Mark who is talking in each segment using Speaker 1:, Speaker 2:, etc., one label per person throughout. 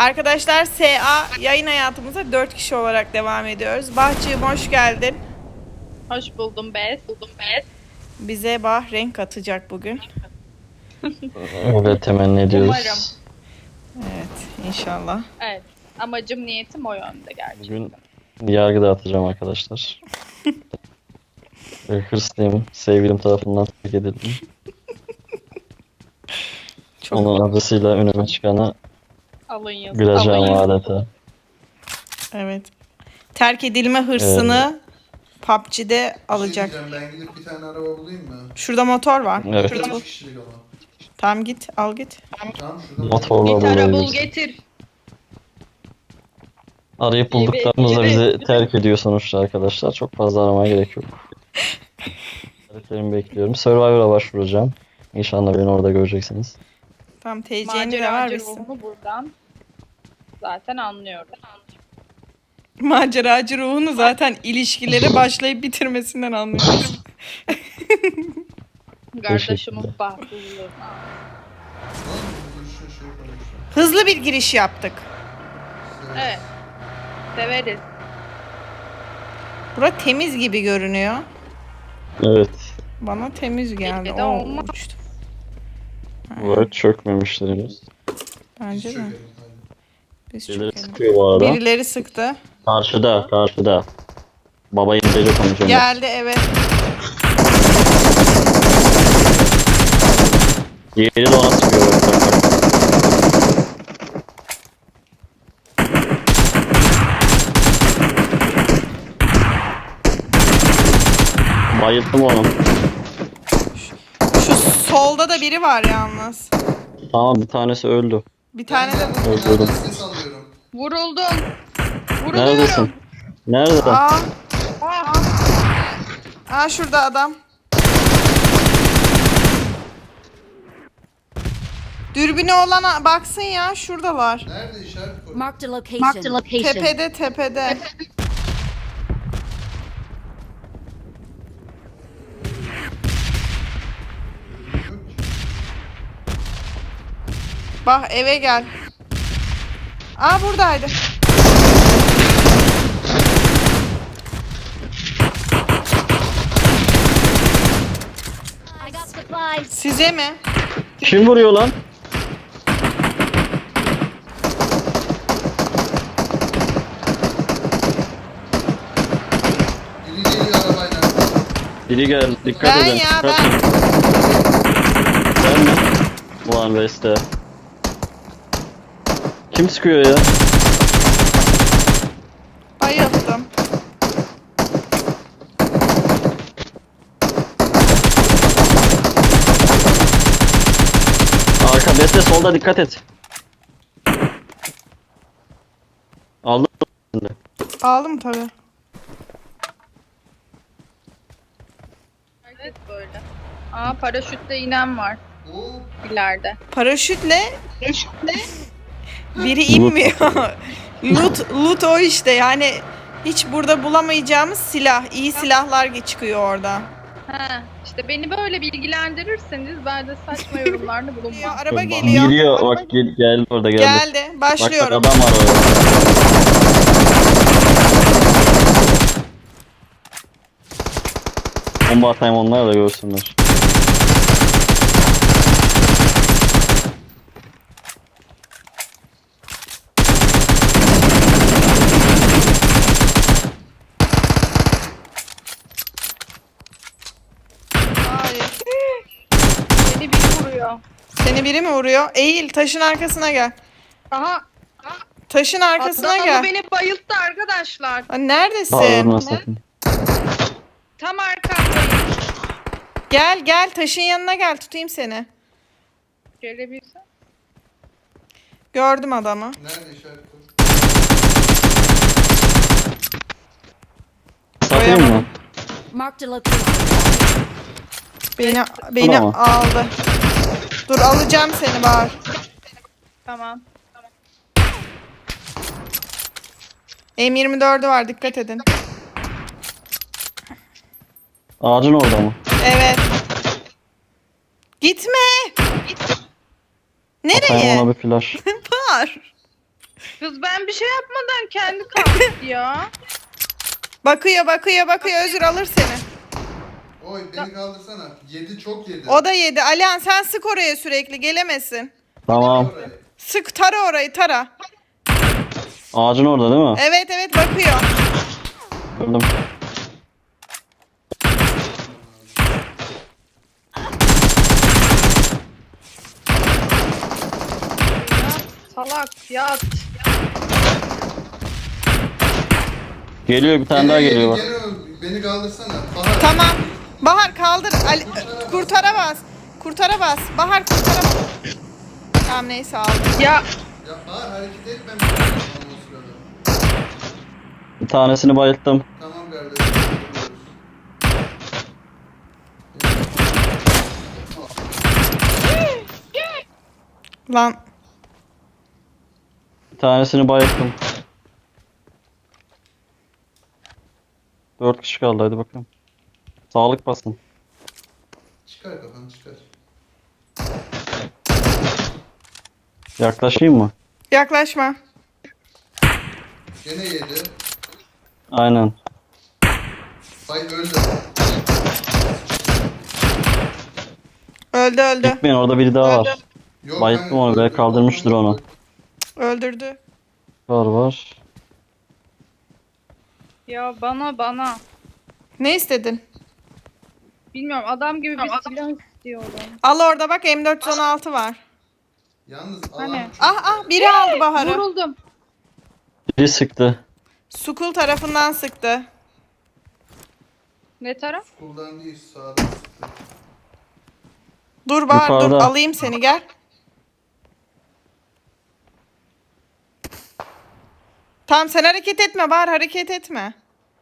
Speaker 1: Arkadaşlar SA yayın hayatımıza 4 kişi olarak devam ediyoruz. Bahçığım hoş geldin.
Speaker 2: Hoş buldum Bes.
Speaker 1: Bize Bah renk atacak bugün.
Speaker 3: Öyle temenni ediyoruz.
Speaker 2: Umarım.
Speaker 1: Evet inşallah.
Speaker 2: Evet. Amacım, niyetim o yönde gerçekten.
Speaker 3: Bugün yargı dağıtacağım arkadaşlar. Hırslıyım. Sevgilim tarafından terk edildim.
Speaker 1: Çok
Speaker 3: Onun adısıyla önüme çıkana
Speaker 2: Alın yazın.
Speaker 3: güleceğim
Speaker 2: Alın yazın.
Speaker 3: adeta.
Speaker 1: evet. Terk edilme hırsını PUBG'de alacak.
Speaker 4: Bir şey diyeceğim, ben gidip bir tane araba bulayım mı?
Speaker 1: Şurada motor var.
Speaker 3: Evet.
Speaker 1: Şurada.
Speaker 4: 3 kişilik ama.
Speaker 1: Tamam git al git.
Speaker 4: Tamam şurada.
Speaker 3: Motorla
Speaker 2: Bir tara bul
Speaker 3: bulabiliriz.
Speaker 2: getir.
Speaker 3: Arayıp bulduklarımızda
Speaker 2: Evet,
Speaker 3: bizi
Speaker 2: evet.
Speaker 3: terk ediyor sonuçta arkadaşlar. Çok fazla aramaya gerek yok. Hareketlerimi bekliyorum. Survivor'a başvuracağım. İnşallah beni orada göreceksiniz.
Speaker 1: Tamam TC'ni de ver
Speaker 2: Maceracı
Speaker 1: misin?
Speaker 2: ruhumu buradan zaten anlıyorum.
Speaker 1: Maceracı ruhunu zaten ilişkileri başlayıp bitirmesinden anlıyoruz.
Speaker 2: Kardeşimin bahtsızlığı.
Speaker 4: Lan şu şey konuşuyor.
Speaker 1: Hızlı bir giriş yaptık.
Speaker 2: Evet. Severiz.
Speaker 1: Bura temiz gibi görünüyor.
Speaker 3: Evet.
Speaker 1: Bana temiz geldi.
Speaker 2: Belki de
Speaker 1: Oo,
Speaker 2: olmaz.
Speaker 1: uçtu.
Speaker 3: Bu çökmemiştir henüz.
Speaker 1: Bence de.
Speaker 4: Çökelim, hadi.
Speaker 1: Biz
Speaker 3: Birileri
Speaker 1: çökelim.
Speaker 3: sıkıyor bu arada.
Speaker 1: Birileri sıktı.
Speaker 3: Karşıda. Baba İngilizce konuşuyor.
Speaker 1: Geldi evet.
Speaker 3: Diğeri de ona sıkıyor. Bayılttım onu.
Speaker 1: Şu solda da biri var yalnız.
Speaker 3: Tamam, bir tanesi öldü.
Speaker 1: Bir tane de bu.
Speaker 3: Öldürdüm.
Speaker 4: Ben ses alıyorum.
Speaker 2: Vuruldum. Vuruluyorum.
Speaker 3: Neredesin? Nerede?
Speaker 1: Aa,
Speaker 2: Ah,
Speaker 1: aa şurada adam. Dürbünü olana baksın ya şuradalar.
Speaker 4: Nerede işaret koy?
Speaker 5: Marked a location.
Speaker 1: Tepede. Bak eve gel. Aa buradaydı.
Speaker 5: I got supplies.
Speaker 1: Size mi?
Speaker 3: Kim vuruyor lan?
Speaker 4: Biri geliyor arabayla.
Speaker 3: Biri gel. Dikkat
Speaker 1: Ben
Speaker 3: edin.
Speaker 1: ya
Speaker 3: Dikkat.
Speaker 1: ben.
Speaker 3: Ben mi? Ulan Beste. Kim sıkıyor ya?
Speaker 1: Bayıldım.
Speaker 3: Arka Beste, solda dikkat et. Aldın mı?
Speaker 1: Aldım tabii.
Speaker 2: evet böyle. Aa, paraşütle inen var
Speaker 4: Oo,
Speaker 2: ileride.
Speaker 1: Paraşütle biri inmiyor. Loot o işte yani hiç burada bulamayacağımız silah. İyi silahlar çıkıyor orada.
Speaker 2: Ha, işte beni böyle bilgilendirirseniz ben de saçma yorumlarda
Speaker 1: Geliyor,
Speaker 2: bulunmam.
Speaker 1: araba geliyor.
Speaker 3: Geliyor. Bak geldi orada geldi.
Speaker 1: Geldi.
Speaker 3: Bak
Speaker 1: Başlıyorum.
Speaker 3: adam var orada. Bomba atayım, onlar da görsünler.
Speaker 1: Hayır.
Speaker 2: Beni bir vuruyor.
Speaker 1: Seni biri mi vuruyor? Eğil taşın arkasına gel.
Speaker 2: Aha,
Speaker 1: Taşın arkasına
Speaker 2: adamı
Speaker 1: gel.
Speaker 2: beni bayılttı arkadaşlar.
Speaker 1: Lan neredesin?
Speaker 3: Bağırma sakın.
Speaker 2: Tam arkamdayım.
Speaker 1: Gel taşın yanına gel tutayım seni.
Speaker 2: Gelebilsem.
Speaker 1: Gördüm adamı.
Speaker 4: nerede işaret koy?
Speaker 3: Satayım mı?
Speaker 5: Marked a location.
Speaker 1: Beni
Speaker 3: Tamam.
Speaker 1: aldı. Dur alacağım seni Bahar.
Speaker 2: Tamam.
Speaker 1: M24'ü var dikkat edin.
Speaker 3: Ağacın orada mı?
Speaker 1: Evet. Gitme.
Speaker 3: Atayım
Speaker 1: Nereye?
Speaker 3: ona bir flash.
Speaker 1: Bahar.
Speaker 2: Kız ben bir şey yapmadan kendi kalktı ya.
Speaker 1: Bakıyor. Özür alır seni.
Speaker 4: Oy beni kaldırsana. Yedi çok yedi.
Speaker 1: O da yedi. Alihan sen sık oraya sürekli gelemesin.
Speaker 3: Tamam.
Speaker 4: Orayı.
Speaker 1: Sık tara orayı tara.
Speaker 3: Ağacın orada değil mi?
Speaker 1: Evet bakıyor.
Speaker 3: Gördüm.
Speaker 2: Salak yat.
Speaker 3: Geliyor bir tane daha geliyor bak.
Speaker 4: Gene beni kaldırsana. Bahar.
Speaker 1: Tamam. Bahar kaldır. Kurtara bas. Kurtara bas. Bahar kurtara bas. Tamam neyse aldım.
Speaker 2: Ya
Speaker 4: Ya Bahar hareket etmem lazım o sırada.
Speaker 3: Bir tanesini bayılttım.
Speaker 4: Tamam kardeşim.
Speaker 1: Lan
Speaker 3: Bir tanesini bayılttım. 4 kişi kaldı hadi bakalım. Sağlık basın.
Speaker 4: Çıkar kafanı çıkar.
Speaker 3: Yaklaşayım mı?
Speaker 1: yaklaşma.
Speaker 4: Gene yedi.
Speaker 3: Aynen.
Speaker 4: Bay öldü.
Speaker 1: Öldü.
Speaker 3: Gitmeyin orada biri daha var.
Speaker 4: Yok,
Speaker 3: Bayılttım
Speaker 4: ben-
Speaker 3: onu, belki kaldırmıştır onu.
Speaker 1: Öldürdü.
Speaker 3: Var.
Speaker 2: ya bana.
Speaker 1: Ne istedin?
Speaker 2: Bilmiyorum adam gibi bir silah istiyorum.
Speaker 1: Al orada bak M416 var.
Speaker 4: Yalnız alan
Speaker 2: Hani?
Speaker 4: çok
Speaker 1: Biri aldı Bahar'ı.
Speaker 2: Vuruldum.
Speaker 3: Biri sıktı.
Speaker 1: Sukul tarafından sıktı.
Speaker 2: Ne taraf?
Speaker 4: Kuldan değil sağdan sıktı.
Speaker 1: Dur Bahar dur
Speaker 3: Yukarıda.
Speaker 1: alayım seni gel. Tamam sen hareket etme Bahar hareket etme.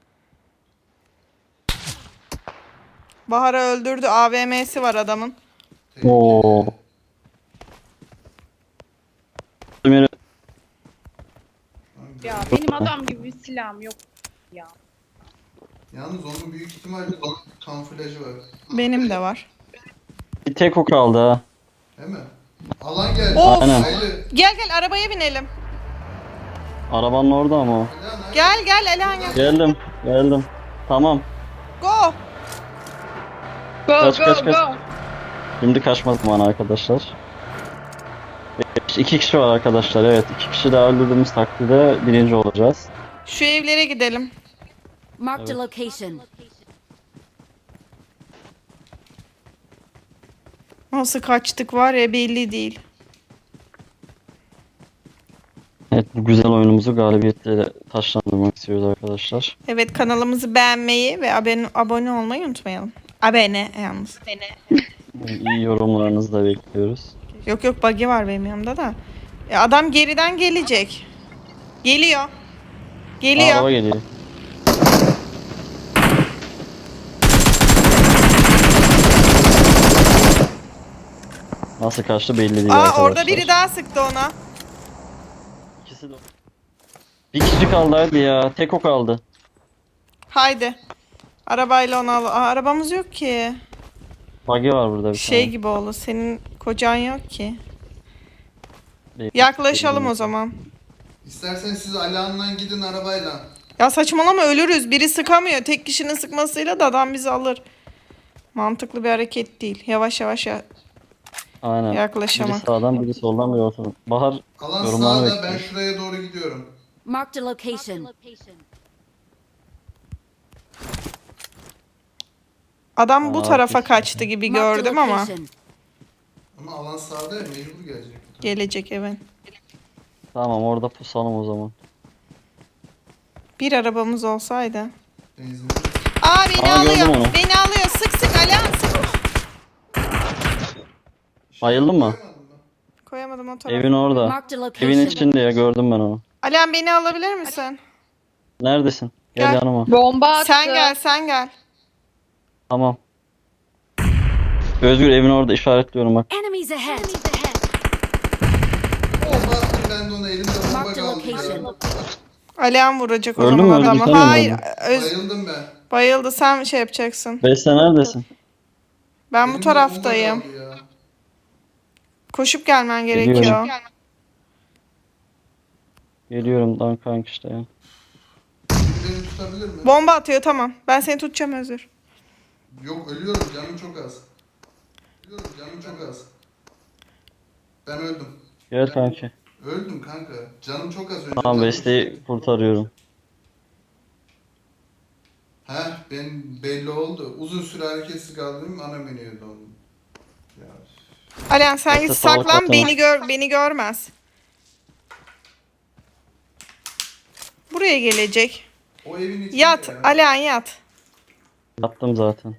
Speaker 1: Bahar'ı öldürdü. AVM'si var adamın.
Speaker 3: Oo. Ömer'i
Speaker 2: Ya benim adam gibi bir silahım yok ya.
Speaker 4: Yalnız onun büyük ihtimal kamuflajı var.
Speaker 1: Benim de var.
Speaker 3: bir tek o kaldı ha.
Speaker 4: Değil mi? Alan geldi.
Speaker 1: Of.
Speaker 3: Aynen.
Speaker 4: Haydi.
Speaker 1: Gel arabaya binelim.
Speaker 3: Arabanın orada ama o.
Speaker 4: Lan, haydi.
Speaker 1: Gel Elhan gel.
Speaker 3: Geldim. Tamam.
Speaker 1: Go.
Speaker 2: Go
Speaker 3: Kaç,
Speaker 2: go
Speaker 3: kaç, kaç.
Speaker 2: go.
Speaker 3: Şimdi kaçma zamanı arkadaşlar. 2 kişi var arkadaşlar. Evet, 2 kişi daha öldürdüğümüz takdirde birinci olacağız.
Speaker 1: Şu evlere gidelim.
Speaker 5: Marked a location.
Speaker 1: Nasıl kaçtık var ya belli değil.
Speaker 3: Evet, bu güzel oyunumuzu galibiyetle taşlandırmak istiyoruz arkadaşlar.
Speaker 1: Evet kanalımızı beğenmeyi ve abone olmayı unutmayalım. Abone yalnız.
Speaker 3: İyi yorumlarınızı da bekliyoruz.
Speaker 1: Yok buggy var benim yanımda da. Adam geriden gelecek. Geliyor.
Speaker 3: Araba geliyor. Nasıl kaçtı belli değil arkadaşlar.
Speaker 1: Orada biri daha sıktı ona.
Speaker 3: İkisi de... Bir kişi kaldı hadi ya. Tek o kaldı.
Speaker 1: Haydi. Arabayla onu al. Arabamız yok ki.
Speaker 3: Buggy var burada bir
Speaker 1: Şey
Speaker 3: tane.
Speaker 1: gibi oldu. Senin kocan yok ki.
Speaker 3: Değil.
Speaker 1: Yaklaşalım o zaman.
Speaker 4: İstersen siz Alihan'la gidin arabayla.
Speaker 1: Ya saçmalama ölürüz. Biri sıkamıyor. Tek kişinin sıkmasıyla da adam bizi alır. Mantıklı bir hareket değil. Yavaş
Speaker 3: Aynen.
Speaker 1: yaklaşamak.
Speaker 3: Biri sağdan biri soldan biri ortadan. Bahar
Speaker 4: Alan
Speaker 3: yorumlarını
Speaker 4: sağda, ben
Speaker 3: bekliyor.
Speaker 4: şuraya doğru gidiyorum.
Speaker 5: Marked a location.
Speaker 1: Adam bu
Speaker 3: Aa,
Speaker 1: tarafa
Speaker 3: kesin.
Speaker 1: kaçtı gibi
Speaker 5: Marked a
Speaker 1: gördüm ama.
Speaker 5: location.
Speaker 4: Ama alan sağda ya mecbur gelecek.
Speaker 1: Gelecek evet.
Speaker 3: Tamam orada pusalım o zaman.
Speaker 1: Bir arabamız olsaydı.
Speaker 4: Benzin.
Speaker 1: Beni
Speaker 3: Aa, gördüm
Speaker 1: alıyor.
Speaker 3: onu.
Speaker 1: Beni alıyor. Sık Alihan sık.
Speaker 3: Bayıldın mı?
Speaker 4: Koymadın mı?
Speaker 1: Koyamadım o tarafa.
Speaker 3: Evin orada.
Speaker 5: Marked a
Speaker 3: Evin
Speaker 5: location.
Speaker 3: içinde ya gördüm ben onu.
Speaker 1: Alihan beni alabilir misin?
Speaker 3: Neredesin? Gel
Speaker 1: Gel.
Speaker 3: yanıma.
Speaker 2: Bomba attı.
Speaker 1: Sen gel.
Speaker 3: Tamam. Özgür evin orada işaretliyorum bak.
Speaker 5: Enemies ahead.
Speaker 4: Bomba attım ben de ona elimde bomba
Speaker 5: Marked a
Speaker 4: kaldı ya.
Speaker 5: location.
Speaker 1: Alihan vuracak o
Speaker 3: Öldün
Speaker 1: zaman
Speaker 3: mü? Öldün,
Speaker 1: adamı.
Speaker 3: sen de mi
Speaker 1: Hayır.
Speaker 3: öldün?
Speaker 4: Bayıldım ben.
Speaker 1: Bayıldı. Sen şey yapacaksın.
Speaker 3: Beste neredesin?
Speaker 1: Ben bu
Speaker 4: Elimde
Speaker 1: taraftayım.
Speaker 4: bomba kaldı ya.
Speaker 1: Koşup gelmen
Speaker 3: Geliyorum.
Speaker 1: gerekiyor.
Speaker 3: Geliyorum lan kanka işte ya.
Speaker 4: Biri beni tutabilir mi?
Speaker 1: Bomba atıyor, tamam. Ben seni tutacağım Özür.
Speaker 4: Yok, ölüyorum, canım çok az. Ölüyorum, canım çok az. Ben öldüm.
Speaker 3: Gel kanki.
Speaker 4: Öldüm kanka. Canım çok az önce.
Speaker 3: Tamam
Speaker 4: canım
Speaker 3: Beste'yi
Speaker 4: çok-
Speaker 3: kurtarıyorum.
Speaker 4: Heh, ben belli oldu. Uzun süre hareketsiz kaldım, ana menüye döndüm. Ya.
Speaker 1: Alihan sen
Speaker 3: Beste
Speaker 1: git
Speaker 3: sağlık
Speaker 1: saklan,
Speaker 3: atama.
Speaker 1: beni görmez. Buraya gelecek.
Speaker 4: O evin içinde
Speaker 1: Yat
Speaker 4: ya.
Speaker 1: Alihan, yat.
Speaker 3: Yaptım zaten.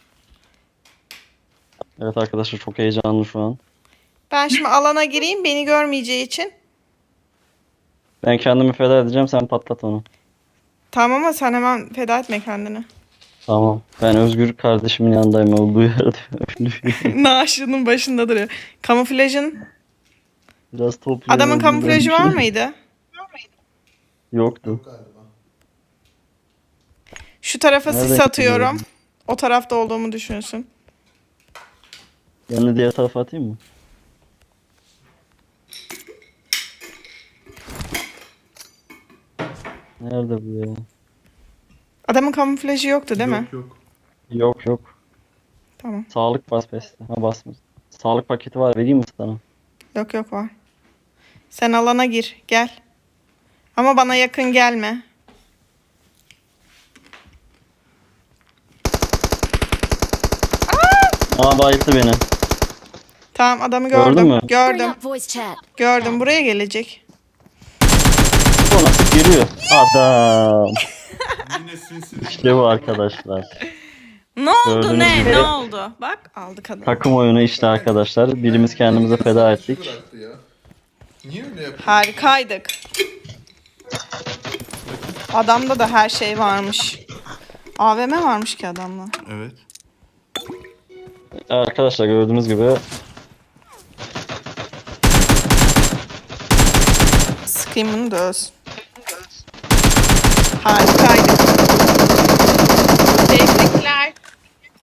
Speaker 3: Evet arkadaşlar çok heyecanlı şu an.
Speaker 1: Ben şimdi alana gireyim, beni görmeyeceği için.
Speaker 3: Ben kendimi feda edeceğim, sen patlat onu.
Speaker 1: Tamam ama sen hemen feda etme kendini.
Speaker 3: Tamam. Ben Özgür kardeşimin yanındayım, olduğu yerde.
Speaker 1: Naaşının başında duruyor. Kamuflajın.
Speaker 3: Biraz topluyorum.
Speaker 1: Adamın
Speaker 3: Özgür'den
Speaker 1: kamuflajı
Speaker 3: bir şey.
Speaker 1: var mıydı?
Speaker 3: Yoktu.
Speaker 4: Yok galiba.
Speaker 1: Şu tarafa
Speaker 3: Nereden
Speaker 1: sis atıyorum.
Speaker 3: gidiyorum?
Speaker 1: O tarafta olduğumu düşünsün.
Speaker 3: Ben de diğer tarafa atayım mı? Nerede bu ya?
Speaker 1: Adamın kamuflajı yoktu değil mi?
Speaker 4: Yok yok.
Speaker 3: Yok yok.
Speaker 1: Tamam.
Speaker 3: Sağlık bas Beste. Ha basmış. Sağlık paketi var, vereyim mi sana?
Speaker 1: Yok yok var. Sen alana gir. Gel. Ama bana yakın gelme.
Speaker 3: Aa bayılttı beni.
Speaker 1: Tamam, adamı
Speaker 3: Gördün
Speaker 1: gördüm.
Speaker 3: mü?
Speaker 5: Bring
Speaker 1: Gördüm.
Speaker 5: up voice chat.
Speaker 1: Gördüm. Buraya gelecek.
Speaker 3: O nasıl giriyor? Adam.
Speaker 4: Yine sinsi.
Speaker 3: İşte bu arkadaşlar.
Speaker 1: Ne oldu
Speaker 3: Gördüğünüz
Speaker 1: ne?
Speaker 3: gibi-
Speaker 1: Ne oldu? Bak aldık adamı.
Speaker 3: Takım oyunu işte arkadaşlar. Birimiz kendimize feda ettik.
Speaker 4: Bıraktı ya. Niye öyle yapıyor?
Speaker 1: Harikaydık. Adamda da her şey varmış. AVM varmış ki adamla.
Speaker 4: Evet.
Speaker 3: Arkadaşlar gördüğünüz gibi
Speaker 1: Scream'ını da öz. Harikaydık.